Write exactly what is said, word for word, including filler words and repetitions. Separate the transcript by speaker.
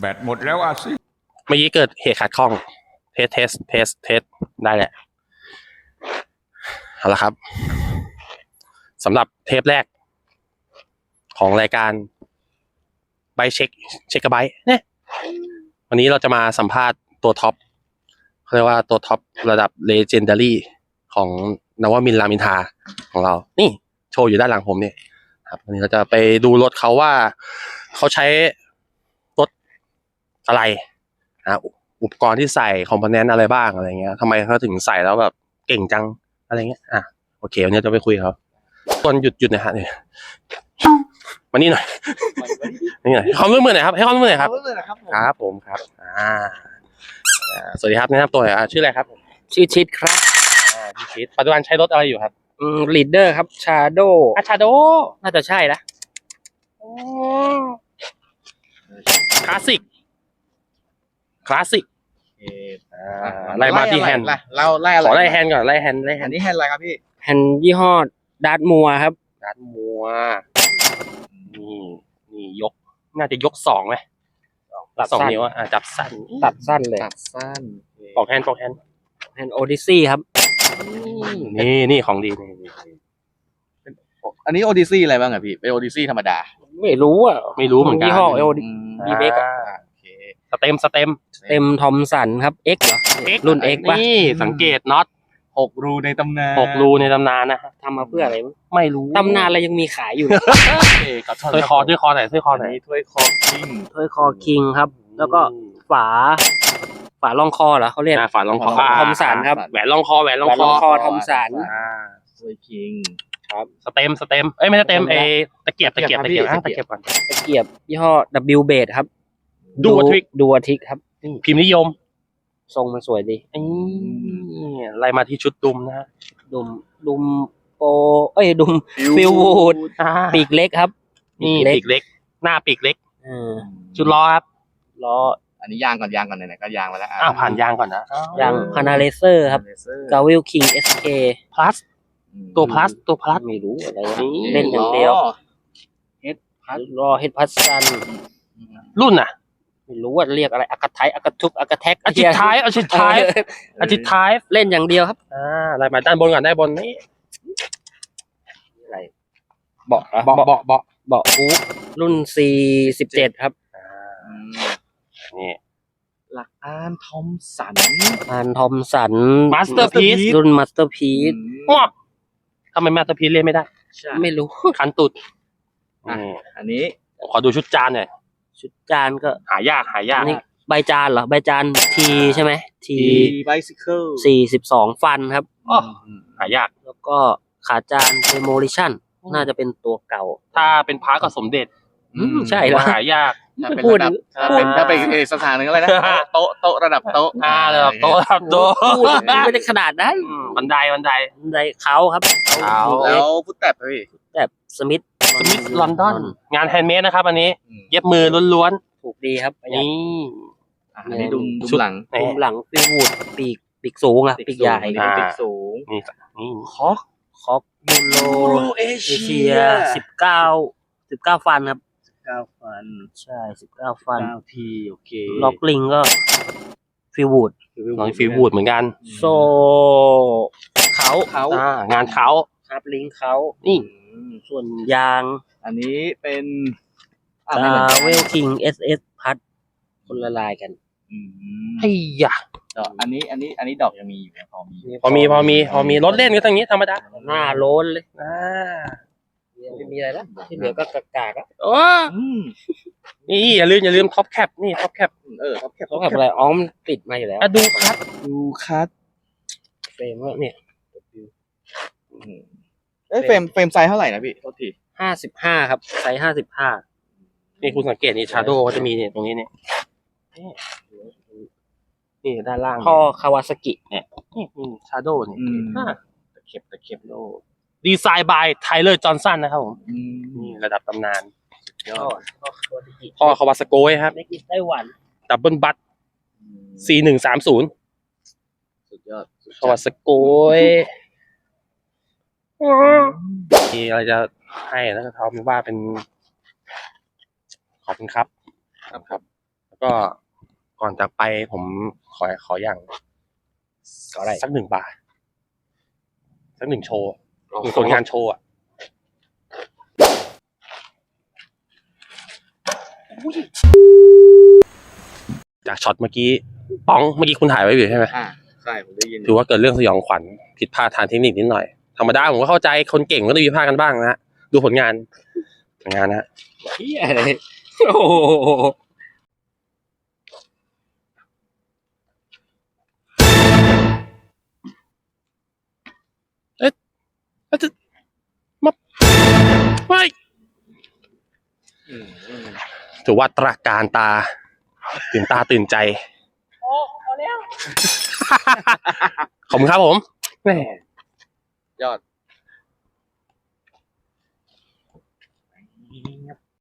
Speaker 1: แบตหมดแล้วอ่ะสิ
Speaker 2: เมื่อกี้เกิดเหตุขัดข้องเทสเทสเทสเทสได้แหละเอาละครับสำหรับเทปแรกของรายการไบเช็คเช็คกระไบเนี่ยวันนี้เราจะมาสัมภาษณ์ตัวท็อปเขาเรียกว่าตัวท็อประดับเลเจนดารี่ของนวมินทร์รามอินทราของเรานี่โชว์อยู่ด้านหลังผมเนี่ยครับวันนี้เราจะไปดูรถเขาว่าเขาใช้รถอะไรนะอุปกรณ์ที่ใส่คอมโพเนนต์อะไรบ้างอะไรเงี้ยทำไมเขาถึงใส่แล้วแบบเก่งจังอะไรเงี้ยอ่ะโอเควันนี้จะไปคุยเขาตอนหยุดหยุดหน่อยฮะเนี่ยมานี่หน่อยนี่หน่อยให้ความร่วมมือหน่อยครับให้ความร่วมมือหน่อยครับครับผมครับอ่าสวัสดีครับแนะนำตัวหน่อยชื่ออะไรครับ
Speaker 3: ชื่อชิดครับ
Speaker 2: อ่าพี่ชิดปัจจุบันใช้รถอะไรอยู่ครับ
Speaker 3: อืมลีดเดอร์ครับชาโด
Speaker 2: อาชาโด
Speaker 3: น่าจะใช่นะ
Speaker 2: คลาสสิกคลาสสิกไล่มาที่แฮนด์
Speaker 4: เราไล่อะไร
Speaker 2: ขอไล่แฮนด์ก่อนไล่แฮนด์ไล่แฮ
Speaker 4: อั
Speaker 2: น
Speaker 4: น
Speaker 2: ด์
Speaker 4: นี้แฮนด์อะไรครับพี่
Speaker 3: แฮนด์ยี่ห้อดาร์ตมัวครับ
Speaker 2: ดาร์ตมัวนี่นี่ยกน่าจะยกสองไหมตัดสองนิ้วอ่ะจับสั้น
Speaker 3: ตัดสั้นเลย
Speaker 4: ตัดสั้น
Speaker 2: ปอกแฮนด์ปอกแฮนด์
Speaker 3: แฮนด์โอดิซี่ครับ
Speaker 2: นี่นี่ของดีนี่
Speaker 4: อันนี้โอดิซี่อะไรบ้างอะพี่เป็นโอดิซี่ธรรมดา
Speaker 3: ไม่รู้อ่ะ
Speaker 2: ไม่รู้เหมือนกัน
Speaker 3: ยี่ห้อโอดิดีเบก
Speaker 2: สเต็มสเต็ม
Speaker 3: เต็มทอมสันครับ X เหรอ
Speaker 2: X
Speaker 3: รุ่น X ป่ะ
Speaker 2: นี่สังเกตน็อต
Speaker 4: หกรูในตำนาน
Speaker 2: หกรูในตำนานนะ
Speaker 3: ทำมาเพื่ออะไร
Speaker 2: ไม่รู้
Speaker 3: ตำนานอะไรยังมีขายอยู่
Speaker 2: ถ้วยคอถ้วยคอไหนถ้วยคอไหน
Speaker 4: ถ้วยคอคิง
Speaker 3: ถ้วยคอคิงครับแล้วก็ฝาฝารองคอเหรอเขาเรียก
Speaker 2: ฝารองคอ
Speaker 3: ทอมสันครับ
Speaker 2: แหวนรองคอแหวนรองคอ
Speaker 3: ทอมสัน
Speaker 4: ถ้วยคิง
Speaker 2: ครับสเต็มสเต็มเอ้ยไม่ใช่สเต็มเอตะเกียบตะเกียบตะเกียบตะเกียบก่อน
Speaker 3: ตะเกียบยี่ห้อ W Base ครับ
Speaker 2: ดูทริก
Speaker 3: ดูทริกครับ
Speaker 2: พิมพ์นิยม
Speaker 3: ทรงมันสวยดี
Speaker 2: นี่ไล่มาที่ชุดดุมนะฮะ
Speaker 3: ดุมดุมโปเอ้ยดุมฟิลวูดปีกเล็กครับ
Speaker 2: นี่ปีกเล็กหน้าปีกเล็กชุดล้อครับ
Speaker 4: ล้ออันนี้ยางก่อนยางก่อนไหนๆก็ยางมาแล้ว
Speaker 2: อ้าวผ่านยางก่อนนะ
Speaker 3: ยางพานาเลเซอร์ครับกาวิลคิง เอส เค
Speaker 2: plus ตัว plus ตัว plus
Speaker 3: ไม่รู้อะไรเล่นอย่างเดียวเฮดพัสรอเฮดพัสซัน
Speaker 2: รุ่นน่ะ
Speaker 3: ไม่รู้ว่าเรียกอะไรอากาไทอากาทุบอากาแท็ก
Speaker 2: อาทิตย์ท้ายอาทิตย์ท้ายอาทิตย์ท้าย
Speaker 3: เล่นอย่างเดียวครับ
Speaker 2: อ่าอะไรมาด้านบนก่อนด้านบนนี่
Speaker 3: อะไรเบาะ
Speaker 2: เบาะเบาะเบาะ
Speaker 3: เบาะอู๊รุ่น ซี สิบเจ็ด ครับ
Speaker 2: นี่
Speaker 4: หลักอานทอมสัน
Speaker 3: อานทอมสัน
Speaker 2: มาสเตอร์พีซ
Speaker 3: รุ่นมาสเตอร์พีซ
Speaker 2: ว้าทำไมมาสเตอร์พีซเล่นไม่ได้
Speaker 3: ไม่รู้
Speaker 2: คันตุด
Speaker 4: อันนี้
Speaker 2: ขอดูชุดจานหน่อย
Speaker 3: ชุดจานก็
Speaker 2: หายากหายาก
Speaker 3: นี่ใบจานเหรอใบจานทีใช่ไหมที
Speaker 4: ไบซิเคิล
Speaker 3: สี่สิบสองฟันครับ
Speaker 2: อ๋อหายาก
Speaker 3: แล้วก็ขาจานเดโมลิชั่นน่าจะเป็นตัวเก่า
Speaker 2: ถ้าเป็นพาร์ก็สมเด็จ
Speaker 3: ใช่แล้ว
Speaker 2: หายาก
Speaker 4: พูดถ้าเป็นถ้าเป็นสถานหนึ่งอะไรนะโต๊ะโต๊ะระดับโต๊ะ
Speaker 2: อ่าระดับโต๊ะระดับโต๊ะ
Speaker 3: ไม่ได้ขนาดนั้น
Speaker 2: บันไดบันได
Speaker 3: บันไดเขาครับ
Speaker 2: เขา
Speaker 4: แล้วฟุตแท็บพี่
Speaker 3: แท็บสมิธ
Speaker 2: สมิธลอนดอนงานแฮนด์เมดนะครับอันนี้เย็บมือล้วน
Speaker 3: ๆถูกดีครับ
Speaker 2: นี่
Speaker 4: อันนี้ดุมดุมหลัง
Speaker 3: ดุมหลังฟิววูดปีกปีกสูงอ่ะปีกใหญ่
Speaker 4: ปีกสูง
Speaker 2: นี่นี่
Speaker 4: คอก
Speaker 3: คอกยูโรเอเชียสิบเก้าสิบเก้าฟันครับ
Speaker 4: สิบเก้าฟัน
Speaker 3: ใช่สิบเก้าฟัน
Speaker 4: เก้าทีโอเค
Speaker 3: ล็อกลิงก็ฟิววูด
Speaker 2: น้องฟิววูดเหมือนกัน
Speaker 3: โซเขา
Speaker 2: เขาอ่างานเขา
Speaker 3: ครับลิงเขา
Speaker 2: นี่
Speaker 3: ส่วนยาง
Speaker 4: อันนี้เป็น
Speaker 3: ดาเวลคิงเอสเอสพัดคนละลายกัน
Speaker 2: ไอ้ยะ
Speaker 4: อันนี้อันนี้อันนี้ดอกยังมีอยู่พอมี
Speaker 2: พอมีพอมีพอมีรถเล่นก็อย่างนี้ธรรมดา
Speaker 3: หน้าโล้นเลยอ่าไม่มีอะไรแล้วที่เหลือก็กากากอ่ะ
Speaker 2: โอ้นี่อย่าลืมอย่าลืมท็อปแคปนี่ท็อปแคป
Speaker 4: เออท็อปแคป
Speaker 3: ท็อปแคปอะไรอ๋อมติดมาอยู่แล้ว
Speaker 2: ดูคัท
Speaker 4: ดูคัท
Speaker 3: เฟรมว่าเนี่ย
Speaker 4: เอ้ยเฟรมเฟรมไซส์เท่าไหร่นะพี่โทษที
Speaker 3: ห้าสิบห้าครับไซส์ห้าสิบห้า
Speaker 2: นี่คุณสังเกตนี่ชาโดก็จะมีเนี่ยตรงนี้เนี่ยนี่ด้านล่าง
Speaker 3: พ่อคาวาซากิ
Speaker 2: เนี่ยนี่ชาโดเนี่ย
Speaker 4: ตะเข็บตะเข็บโล
Speaker 2: ดีไซน์บายไทเลอร์จอห์นสันนะครับผมนี่ระดับตำนานพ่อคาวาซาโกะครับ
Speaker 3: ในกิจไต้หวัน
Speaker 2: ดับเบิลบัตซีหนึ่งสามศูนย์
Speaker 4: สุดยอด
Speaker 2: คาวาซาโกะมีอะไรจะให้แล้วก็เขาไม่ว่าเป็นขอบคุณครับครับครับก็ก่อนจากไปผมขอขออย่าง
Speaker 3: ขออะไร
Speaker 2: สักหนึ่งบาทสักหนึ่งโชว์หนึ่งผลงานโชว์อะจากช็อตเมื่อกี้ป้องเมื่อกี้คุณถ่ายไว้อยู่ใช่ไหม
Speaker 4: อ่าใช่ผมได้ยิน
Speaker 2: ถือว่าเกิดเรื่องสยองขวัญผิดพลาดทางเทคนิคนิดหน่อยธรรมดาผมก็เข้าใจคนเก่งก็ต้องมีพลาดกันบ้างนะฮะดูผลงานผลงานนะฮะ
Speaker 3: เฮียเลยโอ้โห
Speaker 2: แล้วจะมาไม่
Speaker 3: อืมอืม
Speaker 2: ถือว่าตราการตา ตื่นตาตื่นใจ
Speaker 3: โอ้เอาแล้ว
Speaker 2: ขอบคุณครับผมแหม่
Speaker 4: ยอด